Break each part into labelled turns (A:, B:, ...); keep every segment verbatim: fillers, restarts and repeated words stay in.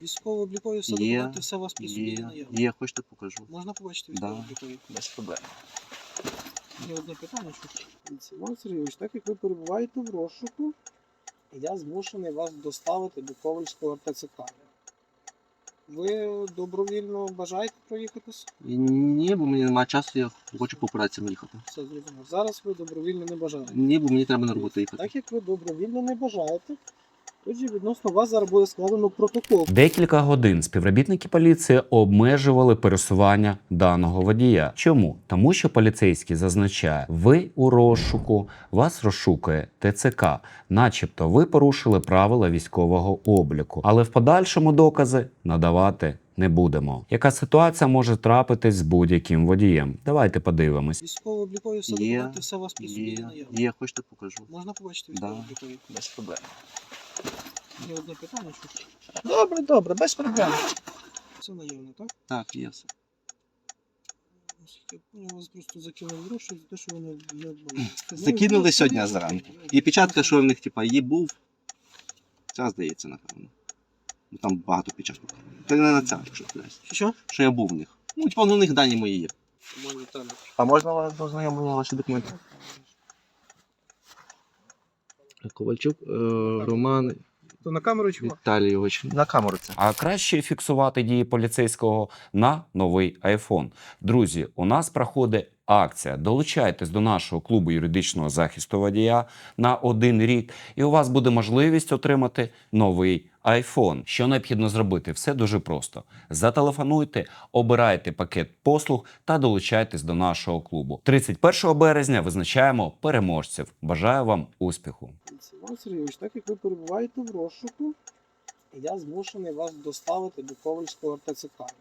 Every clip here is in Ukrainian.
A: Військово-облікові все
B: Є,
A: документи, все у вас при собі є
B: Є,
A: наявно.
B: є, хочете покажу.
A: Можна побачити
B: Да,
A: військово-облікові?
B: без проблем.
A: Є одне питання, що Іван Сергійович, так як ви перебуваєте в розшуку, я змушений вас доставити до Ковальського ар те це ка. Ви добровільно бажаєте проїхатись?
B: І ні, бо мені немає часу, я хочу по операціям їхати.
A: Все зрозуміло. Зараз ви добровільно не бажаєте.
B: Ні, бо мені треба на роботу їхати.
A: Так як ви добровільно не бажаєте, тоді відносно вас зараз буде складено протокол.
C: Декілька годин співробітники поліції обмежували пересування даного водія. Чому? Тому що поліцейський зазначає, ви у розшуку, вас розшукує те це ка, начебто ви порушили правила військового обліку, але в подальшому докази надавати не будемо. Яка ситуація може трапитись з будь-яким водієм? Давайте подивимось.
A: Військово-облікові все
B: Є,
A: документи, все у вас при собі є
B: Є,
A: наявно.
B: є, хочете покажу.
A: Можна побачити
B: Да,
A: військово-облікові?
B: без проблем.
A: Є одне питання, що добре, добре, без проблем. Це наявно, так?
B: Так, є все.
A: Я вас просто закинув гроші за те, що вони не були.
B: Закинули сьогодні зранку. І печатка, що в них, типа, є був. Ця, здається, напевно. Ну, там багато печаток. Та не на ця, якщо здається.
A: Що?
B: Що я був в них. Ну, типа, ну, у них дані мої є.
A: Мої там.
B: А можна вас познайомити ваші документи? Ковальчук, е, Роман
A: То на камеру чого?
B: Віталійович. На камеру це.
C: А краще фіксувати дії поліцейського на новий айфон. Друзі, у нас проходить акція. Долучайтесь до нашого клубу юридичного захисту водія на один рік, і у вас буде можливість отримати новий айфон. Що необхідно зробити? Все дуже просто. Зателефонуйте, обирайте пакет послуг та долучайтесь до нашого клубу. тридцять першого березня визначаємо переможців. Бажаю вам успіху!
A: Іван Сергійович, так як ви перебуваєте в розшуку, я змушений вас доставити до Ковальського ар те це ка.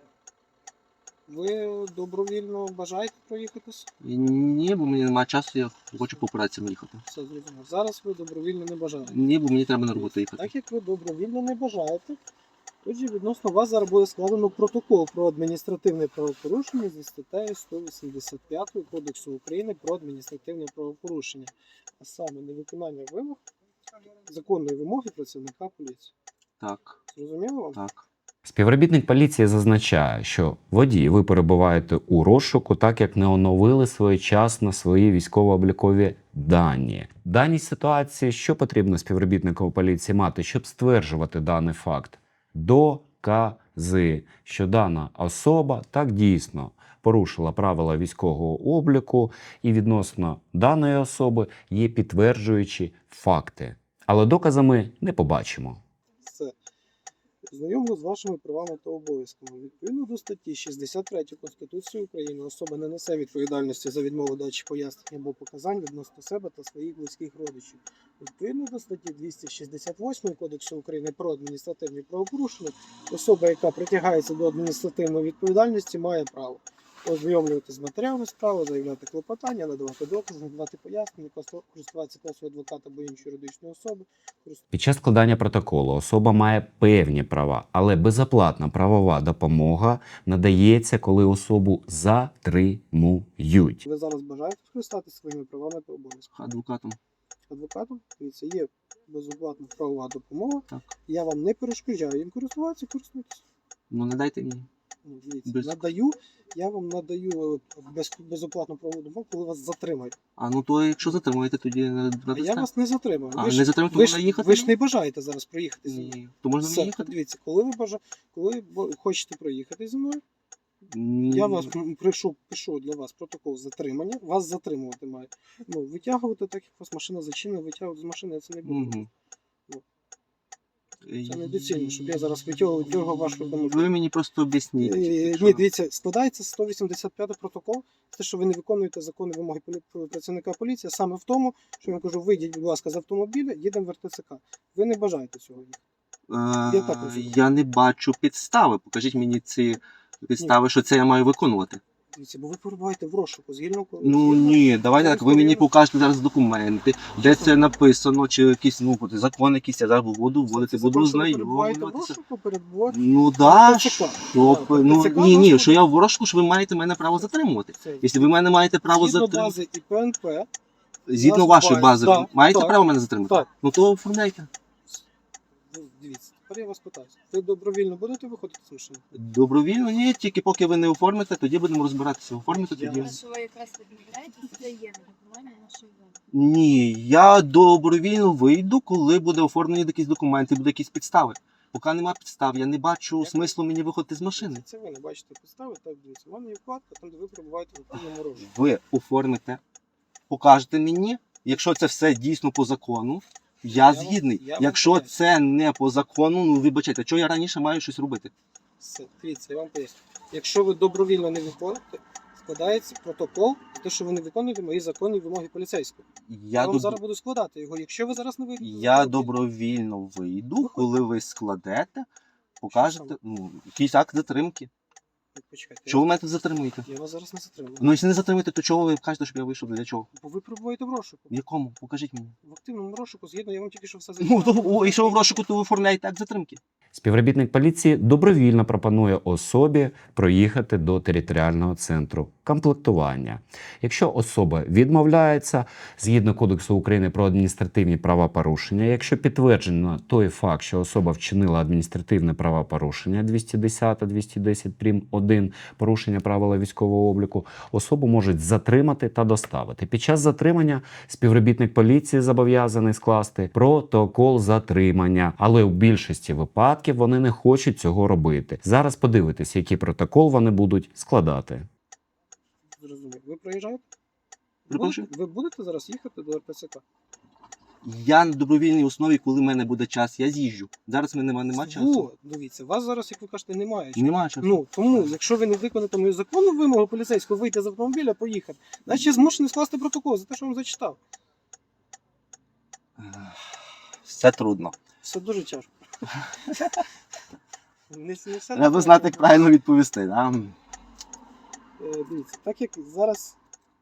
A: Ви добровільно бажаєте проїхатись?
B: І ні, бо мені немає часу, я хочу по операціям їхати.
A: Все зрозуміло. Зараз ви добровільно не бажаєте.
B: Ні, бо мені треба на роботу їхати.
A: Так як ви добровільно не бажаєте, тоді відносно вас зараз буде складено протокол про адміністративне правопорушення зі статтею сто вісімдесят п'ять Кодексу України про адміністративне правопорушення, а саме невиконання вимог законної вимоги працівника поліції.
B: Так,
A: Зрозуміло вам?
B: так.
C: Співробітник поліції зазначає, що водій, ви перебуваєте у розшуку, так як не оновили своєчасно свої військово-облікові дані. В даній ситуації що потрібно співробітнику поліції мати, щоб стверджувати даний факт? Докази, що дана особа так дійсно порушила правила військового обліку і відносно даної особи є підтверджуючі факти. Але доказами не побачимо.
A: Все. Знайомо з вашими правами та обов'язками. Відповідно до статті шістдесят три Конституції України особа не несе відповідальності за відмову дачі пояснень або показань відносно себе та своїх близьких родичів. Відповідно до статті двісті шістдесят восьмої Кодексу України про адміністративні правопорушення, особа, яка притягається до адміністративної відповідальності, має право ознайомлюватися з матеріалами справи, заявляти клопотання, надавати докази, надавати пояснення, користуватися послугою адвоката або іншої юридичної особи.
C: Під час складання протоколу особа має певні права, але безоплатна правова допомога надається, коли особу затримують.
A: Ви зараз бажаєте скористатися своїми правами та обов'язками?
B: Адвокатом.
A: Адвокатом, дивіться, є безоплатна правова допомога.
B: Так.
A: Я вам не перешкоджаю їм користуватися, користуйтесь.
B: Ну, не дайте мені.
A: Ну, дивіться,
B: Без-
A: надаю, я вам надаю без, безоплатну правову допомогу, коли вас затримають.
B: А ну то якщо затримуєте, тоді не
A: А
B: надасте.
A: я вас не затримую.
B: А,
A: Ви ж,
B: не затримуєте,
A: ви,
B: можна
A: ж,
B: їхати?
A: ви ж не бажаєте зараз проїхати зі мною.
B: Ні. То можна
A: Все,
B: мені їхати?
A: дивіться, коли ви бажа... коли ви хочете проїхати зі мною,
B: Ні.
A: я вас м, прийшов, пишу для вас протокол затримання, вас затримувати маю. Ну, витягувати, так як у вас машина зачинена, витягувати з машини, я це не буду.
B: Угу.
A: Це недоцільно, щоб я зараз витягував дергав вашу тому.
B: Ви мені просто об'ясніть.
A: Е,
B: якщо-
A: Ні, дивіться, складається сто вісімдесят п'ятий протокол, те, що ви не виконуєте законні вимоги полі- працівника поліції, саме в тому, що я вам кажу, вийдіть, будь ласка, з автомобіля, їдемо в ар те це ка. Ви не бажаєте цього.
B: Е,
A: Я так розумію.
B: я не бачу підстави. Покажіть мені ці підстави, що це я маю виконувати.
A: Дивіться, бо ви перебуваєте в розшуку, згідно
B: Ну ні, давайте так, ви мені покажете зараз документи, де це написано, чи якісь ну, от закон якийсь, я зараз буду вводити, буду
A: знайомитися.
B: знайомитися.
A: перебуваєте.
B: Ну да,
A: ТЦК.
B: що,
A: Так,
B: ну
A: ТЦК
B: ні, ні,
A: вас
B: що я в розшуку, що ви маєте мене право затримувати.
A: Це,
B: Якщо ви мене маєте право
A: згідно
B: затримувати,
A: бази і пе ен пе,
B: згідно
A: нас
B: вашої
A: буває-
B: бази,
A: так,
B: маєте
A: так,
B: право мене затримати?
A: так.
B: Ну то оформляйте.
A: ну, дивіться, Тепер я вас питаю. Ви добровільно будете виходити з машини?
B: Добровільно, ні, тільки поки ви не оформите, тоді будемо розбиратися. Оформите
A: Я
B: тоді.
A: вас-
D: Що ви якраз відмовляєтесь, це є недокументне нашої вини.
B: Ні, я добровільно вийду, коли буде оформлені якісь документи, буде якісь підстави. Поки нема підстав, я не бачу
A: Як-
B: смислу мені виходити з машини.
A: Це ви не бачите підстави, так дивіться. У мене є вкладка, там де ви перебуваєте в активному розшуку.
B: Ви оформите, покажете мені, якщо це все дійсно по закону, я
A: вам-
B: згідний.
A: я вам
B: Якщо
A: поясню.
B: це не по закону, ну вибачайте, чого я раніше маю щось робити?
A: Все, дивіться, я вам поясню. Якщо ви добровільно не виходите, складається протокол за те, що ви не виконуєте мої законні вимоги поліцейського. Я,
B: Я,
A: вам
B: доб...
A: зараз буду складати його. Якщо ви зараз не вийдете,
B: я добровільно вийду,
A: Виходьте.
B: коли ви складете, покажете ну, якийсь акт затримки.
A: Почекайте,
B: Чого ви мене тут затримуєте?
A: я вас зараз не затримую.
B: Ну, якщо не затримуєте, то чого ви кажете, щоб я вийшов? Для чого?
A: Бо ви перебуваєте в розшуку.
B: В якому? Покажіть мені.
A: В активному розшуку, згідно, я вам тільки що все
B: Ну, то,
A: зачитав.
B: о, якщо ви в розшуку, то ви оформляєте акт затримки.
C: Співробітник поліції добровільно пропонує особі проїхати до територіального центру комплектування. Якщо особа відмовляється, згідно Кодексу України про адміністративні правопорушення, якщо підтверджено той факт, що особа вчинила адміністративне правопорушення двісті десять двісті десять прим. один порушення правил військового обліку, особу можуть затримати та доставити. Під час затримання співробітник поліції зобов'язаний скласти протокол затримання, але у більшості випадків вони не хочуть цього робити. Зараз подивитися, який протокол вони будуть складати.
A: Зрозумів. Ви проїжджаєте?
B: Перепрошую?
A: Будете- Ви будете зараз їхати до ер пе ес ка?
B: Я на добровільній основі, коли в мене буде час, я з'їжджу. Зараз в мене нема, нема часу.
A: О, дивіться, вас зараз, як ви кажете, немає.
B: Немає часу.
A: Ну, тому, якщо ви не виконаєте мою законну вимогу поліцейського вийти з автомобіля, поїхати, значить я змушений скласти протокол за те, що вам зачитав.
B: Все трудно.
A: Все дуже тяжко. Не, не все
B: Треба
A: так
B: знати, як
A: тяжко.
B: правильно відповісти. Да?
A: Е, Дивіться, так як зараз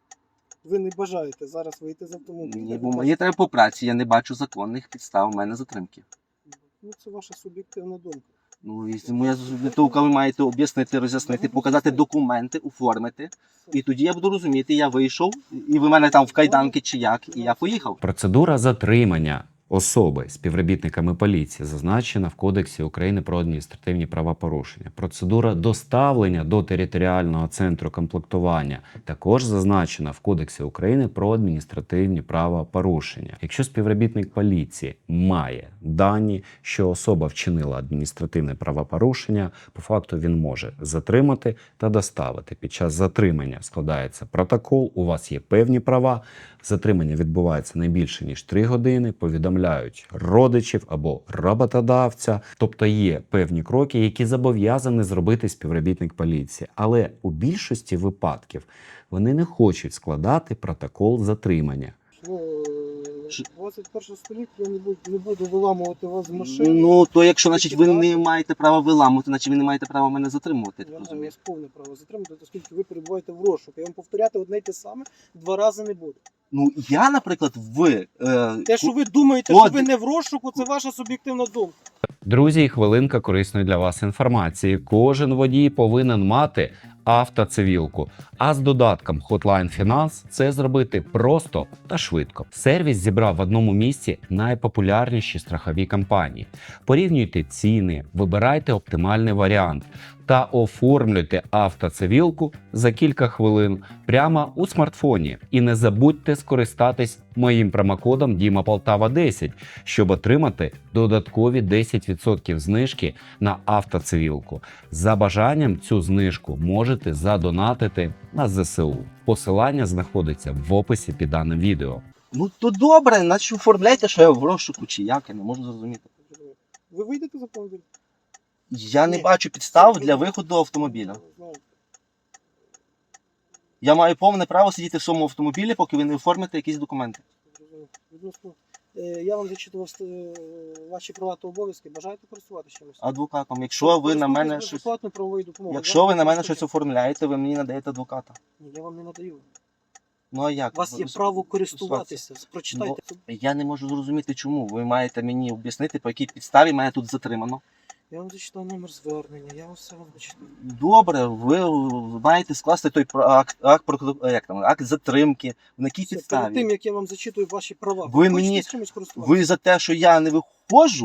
A: ви не бажаєте зараз вийти з автомобіля.
B: Ні,
A: ви
B: бо
A: кажете,
B: мені треба по праці, я не бачу законних підстав, у мене затримки.
A: Ну, це ваша суб'єктивна думка.
B: Ну, і моя зубітовка, ви маєте об'яснити, роз'яснити, показати документи, оформити. І тоді я буду розуміти, я вийшов, і ви мене там в кайданки чи як, і я поїхав.
C: Процедура затримання особи співробітниками поліції зазначена в Кодексі України про адміністративні правопорушення. Процедура доставлення до територіального центру комплектування також зазначена в Кодексі України про адміністративні правопорушення. Якщо співробітник поліції має дані, що особа вчинила адміністративне правопорушення, по факту він може затримати та доставити. Під час затримання складається протокол, у вас є певні права. Затримання відбувається не більше ніж три години, повідомляють родичів або роботодавця. Тобто є певні кроки, які зобов'язаний зробити співробітник поліції. Але у більшості випадків вони не хочуть складати протокол затримання.
A: Ну,
B: Що?
A: двадцять перше століття я не буду, не буду виламувати вас з машини.
B: Ну, то якщо, значить, ви не маєте права виламувати, значить ви не маєте права мене затримувати.
A: Я
B: так
A: маю
B: розумію.
A: вас повне право затримати, оскільки ви перебуваєте в розшуку. Я вам повторяти одне й те саме два рази не буду.
B: Ну, я, наприклад, в... Е,
A: Те, що ви думаєте,
B: Код-
A: що ви не в розшуку, це ваша суб'єктивна думка.
C: Друзі, і хвилинка корисної для вас інформації. Кожен водій повинен мати автоцивілку. А з додатком Hotline Finance це зробити просто та швидко. Сервіс зібрав в одному місці найпопулярніші страхові компанії. Порівнюйте ціни, вибирайте оптимальний варіант та оформлюйте автоцивілку за кілька хвилин прямо у смартфоні. І не забудьте скористатись моїм промокодом Діма Полтава десять, щоб отримати додаткові десять відсотків знижки на автоцивілку. За бажанням цю знижку можете задонатити на зе се у. Посилання знаходиться в описі під даним відео.
B: Ну, то добре, значить оформляйте, що я в розшуку чи як, я не можу зрозуміти.
A: Ви вийдете з автомобіля?
B: Я не
A: Ні.
B: бачу підстав для виходу автомобіля.
A: Знаєте,
B: Я маю повне право сидіти в своєму автомобілі, поки ви не оформите якісь документи.
A: відносно, е, Я вам зачитував е, ваші права та обов'язки. Бажаєте користуватися чимось?
B: Адвокатом. Якщо ви на мене
A: Користуйтесь
B: щось.
A: безоплатною правовою допомогою.
B: Якщо ви на мене
A: Вам
B: щось
A: ніхто не
B: оформляєте, ви мені надаєте адвоката.
A: Ні, я вам не надаю.
B: Ну а як?
A: У вас є
B: Ви-
A: право користуватися. Прочитайте.
B: Я не можу зрозуміти, чому. Ви маєте мені об'яснити, по якій підставі мене тут затримано.
A: Я вам зачитав номер звернення, я вам все вам зачитав.
B: Добре, ви маєте скласти той про- акт, акт, про- як там, акт затримки. На якій
A: Все,
B: підставі?
A: перед тим, як я вам зачитую ваші права,
B: Ви
A: хочете
B: мені-
A: з чимось користуватися?
B: Ви за те, що я не виходжу,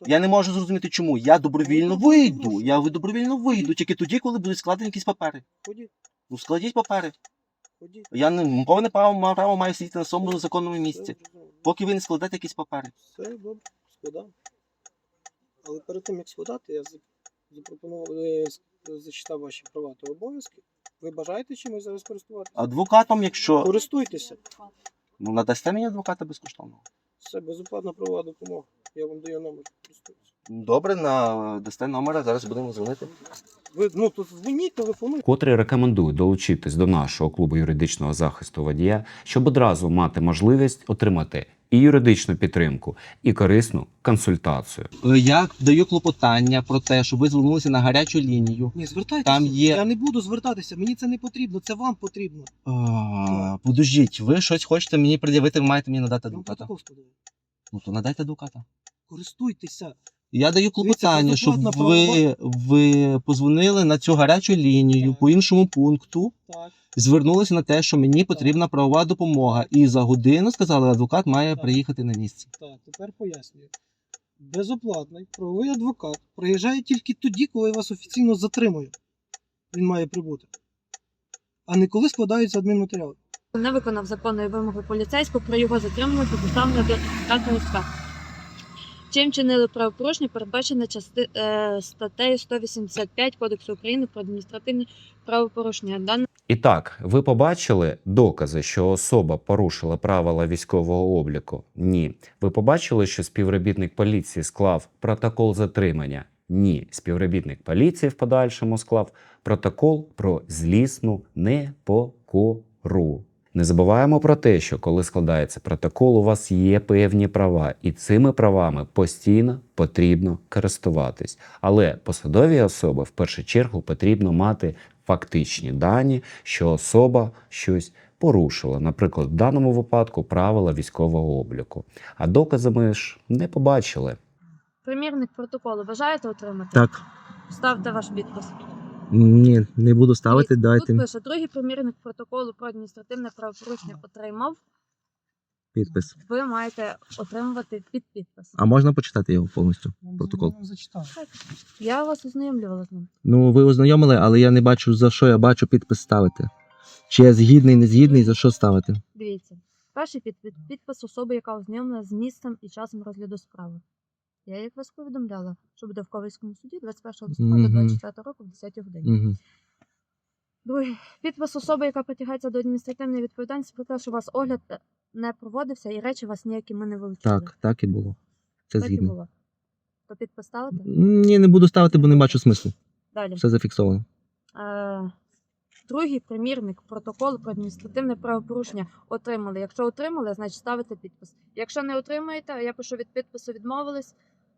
B: Я не можу зрозуміти, чому. Я добровільно
A: Ну,
B: вийду.
A: прошу.
B: Я добровільно вийду, тільки тоді, коли будуть складені якісь папери.
A: Ходіть,
B: Ну, складіть папери.
A: ходіть.
B: Я не повне право, маю право маю сидіти на своєму законному
A: Все
B: місці.
A: зрозуміло.
B: Поки ви не складете якісь папери.
A: Все добре, складав. Але перед тим, як складати, я за- запропонував, е, с- зачитав ваші права та обов'язки. Ви бажаєте чимось зараз користуватися?
B: Адвокатом, якщо.
A: Користуйтеся.
B: Ну, надасте мені адвоката безкоштовно.
A: Це безоплатна правова допомога. Я вам даю номер. Користуйтеся.
B: Добре, надасте номера, зараз будемо дзвонити.
A: Ви, ну, тут дзвоніть, телефонуйте.
C: Котрі рекомендую долучитись до нашого клубу юридичного захисту водія, щоб одразу мати можливість отримати і юридичну підтримку, і корисну консультацію.
B: Я даю клопотання про те, щоб ви звернулися на гарячу лінію.
A: Ні, звертайтеся.
B: Там є-
A: Я не буду звертатися, мені це не потрібно, це вам потрібно.
B: А, Подождіть, ви щось хочете мені пред'явити, ви маєте мені надати
A: Я вам
B: адвоката.
A: протокол складаю.
B: Ну то надайте адвоката.
A: Користуйтеся.
B: Я даю клопотання,
A: Дивіться,
B: щоб
A: безоплатна
B: ви, ви позвонили на цю гарячу лінію
A: Так.
B: по іншому пункту,
A: Так.
B: звернулися на те, що мені потрібна правова допомога. І за годину, сказали, адвокат має
A: Так.
B: приїхати на місце.
A: Так, тепер пояснюю. Безоплатний правовий адвокат приїжджає тільки тоді, коли вас офіційно затримує. Він має прибути. А не коли складаються адмінматеріали.
D: Не виконав законної вимоги поліцейського про його затримання та доставлення до адміністративної справи. Чим чинили правопорушення, передбачене части... е, статтею сто вісімдесят п'ять Кодексу України про адміністративні правопорушення. Дане
C: І так, ви побачили докази, що особа порушила правила військового обліку? Ні. Ви побачили, що співробітник поліції склав протокол затримання? Ні. Співробітник поліції в подальшому склав протокол про злісну непокору. Не забуваємо про те, що коли складається протокол, у вас є певні права, і цими правами постійно потрібно користуватись. Але посадові особи в першу чергу потрібно мати фактичні дані, що особа щось порушила, наприклад, в даному випадку правила військового обліку. А докази ми ж не побачили.
D: примірник протоколу бажаєте отримати?
B: Так.
D: Ставте ваш підпис.
B: Ні, не буду
D: Дивіться, Тут пише, другий примірник протоколу про адміністративне правопорушення отримав.
B: підпис.
D: Ви маєте отримувати під підпис.
B: А можна почитати його повністю?
A: Я
B: Протокол.
A: вам зачитав.
D: Я вас ознайомлювала з ним.
B: Ну, ви ознайомили, але я не бачу, за що я бачу підпис ставити. Чи я згідний, не згідний, за що ставити?
D: Дивіться. Перший підпис, підпис особи, яка ознайомлена з місцем і часом розгляду справи. Я, як вас повідомляла, що буде в Ковальському суді двадцять першого листопада
B: Мгм.
D: двадцять четвертого року в десятій годині.
B: Угу.
D: Другий підпис особи, яка притягається до адміністративної відповідальності про те, що у вас огляд не проводився і речі вас ніякі ми не вилучили.
B: Так, так і було. Це
D: Так і
B: згідно.
D: було. То підпис ставити?
B: Ні, не буду ставити, бо не бачу смислу.
D: Далі.
B: Все зафіксовано.
D: Е, Другий примірник протоколу про адміністративне правопорушення отримали. Якщо отримали, значить ставите підпис. Якщо не отримаєте, я пишу від підпису відмовились.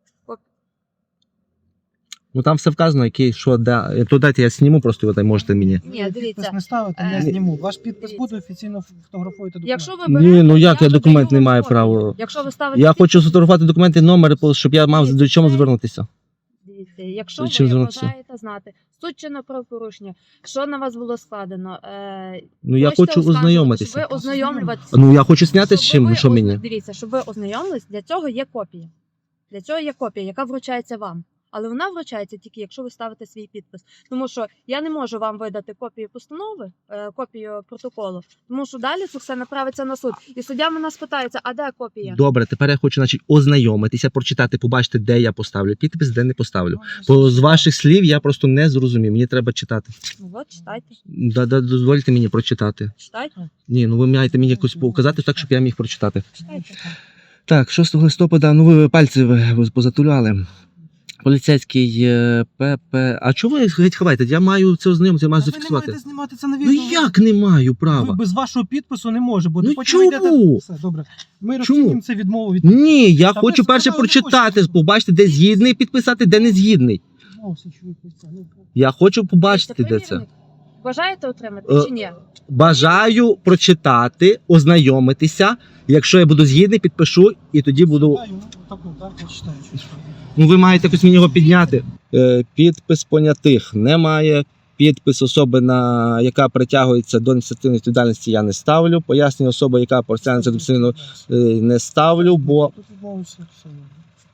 B: Ну там все вказано, який, що, де. То дайте я зніму, просто ви там можете мені.
D: Ні,
A: Ви
D: дивіться.
A: Підпис не ставите,
D: Е,
A: я зніму. Ваш підпис
D: дивіться.
A: буде, офіційно фотографуєте документ.
D: Якщо ви
B: Ні,
D: берете,
B: ну як я
D: видаю
B: документ не
D: вам
B: маю
D: копію.
B: права.
D: Якщо ви ставите
B: Я
D: підпис,
B: хочу сфотографувати документи, номери, щоб я мав до чому звернутися.
D: дивіться, якщо
B: Чим
D: ви
B: звернутися?
D: бажаєте знати суть чинного правопорушення, що на вас було складено, е,
B: Ну я
D: хочете
B: хочу
D: оскаржувати,
B: ознайомитися.
D: щоб ви ознайомлюватися.
B: Ну я хочу зняти з
D: Щоб
B: чим,
D: ви
B: що
D: озна-
B: мені.
D: Дивіться, щоб ви ознайомились, для цього є копія. Для цього є копія, яка вручається вам. Але вона вручається тільки, якщо ви ставите свій підпис. Тому що я не можу вам видати копію постанови, е, копію протоколу, тому що далі це все направиться на суд. І суддя мене спитається, а де копія?
B: Добре, тепер я хочу, значить, ознайомитися, прочитати, побачити, де я поставлю підпис, де не поставлю. Бо з ваших слів я просто не зрозумів. Мені треба читати.
D: Ну от, читайте,
B: Да, да, дозвольте мені прочитати.
D: читайте,
B: Ні, ну ви маєте мені якось показати так, щоб я міг прочитати.
D: читайте.
B: Так, шостого листопада, ну ви пальці ви позатуляли. Поліцейський е, ПП. А чого ви геть ховаєте? Я маю це ознайомитися, я маю
A: Та ви не
B: зафіксувати.
A: маєте знімати це на
B: Ну
A: відео.
B: як не маю
A: Ви
B: права?
A: без вашого підпису не може бути.
B: Ну
A: Потім ви йдете-
B: чому?
A: Все, добре. Ми
B: Чому?
A: розцінюємо це відмову від
B: Ні, я
A: Та
B: хочу
A: ви
B: перше
A: сказали, не
B: прочитати,
A: хочете.
B: побачити, де згідний, підписати, де не згідний.
A: відмовився, що ви притягнули.
B: Я хочу побачити, де
D: Дивіться,
B: це.
D: примірник. Бажаєте отримати
B: Е,
D: чи ні?
B: Бажаю прочитати, ознайомитися. Якщо я буду згідний, підпишу і тоді буду.
A: Читаю, ну, так, ну, так, я читаю, що читаю.
B: Ну ви маєте якось мені його підняти. Е, підпис понятих немає. Підпис особи, на яка притягується до адміністративної відповідальності, я не ставлю. Пояснення особи, яка притягується до адміністративної е, не ставлю, бо
A: Тут відмовився, все.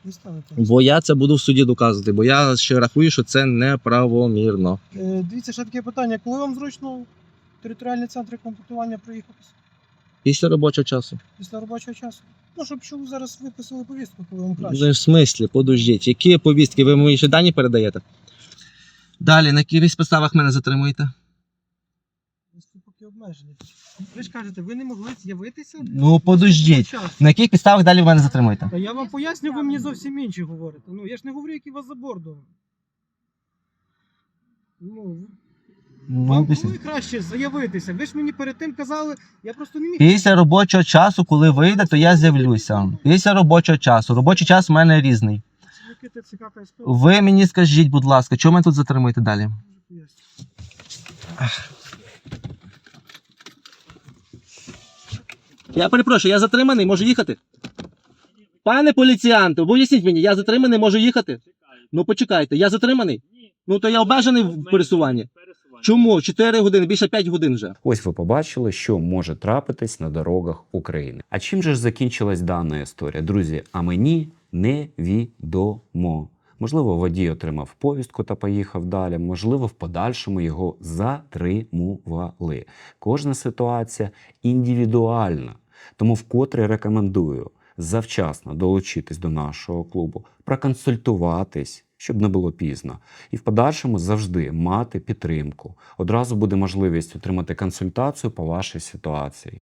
A: Ви ставите.
B: Бо я це буду в суді доказувати, бо я ще рахую, що це неправомірно.
A: Е, Дивіться, ще таке питання. Коли вам зручно в територіальний центр комплектування проїхати
B: Після робочого часу.
A: після робочого часу? Ну, щоб що ви зараз виписали повістку, коли вам краще.
B: Ну, в смислі, подождіть, які повістки? Ви мені ще дані передаєте? Далі, на яких підставах мене затримуєте?
A: Ви поки обмежені. Ви ж кажете, ви не могли з'явитися?
B: Ну, подождіть.
A: Час.
B: На яких підставах далі ви мене затримуєте?
A: Та я вам поясню, ви мені зовсім інші говорите. Ну, я ж не говорю, які у вас за бордом. Ну,
B: Ну,
A: вам
B: після...
A: було краще заявитися. Ви ж мені перед тим казали, я просто не міг.
B: Після робочого часу, коли вийде, то я з'явлюся. Після робочого часу. Робочий час у мене різний.
A: Працівники ТЦК та СП.
B: Ви мені скажіть, будь ласка, чого мене тут затримуєте далі? Я перепрошую, я затриманий, можу їхати? Пане поліціянте, поясніть мені, я затриманий, можу їхати? Ну почекайте, я затриманий? Ну то я обмежений в пересуванні. Чому? чотири години, більше п'ять годин вже.
C: Ось ви побачили, що може трапитись на дорогах України. А чим же ж закінчилась дана історія? Друзі, а мені невідомо. Можливо, водій отримав повістку та поїхав далі, можливо, в подальшому його затримували. Кожна ситуація індивідуальна. Тому вкотре рекомендую завчасно долучитись до нашого клубу, проконсультуватись, щоб не було пізно. І в подальшому завжди мати підтримку. Одразу буде можливість отримати консультацію по вашій ситуації.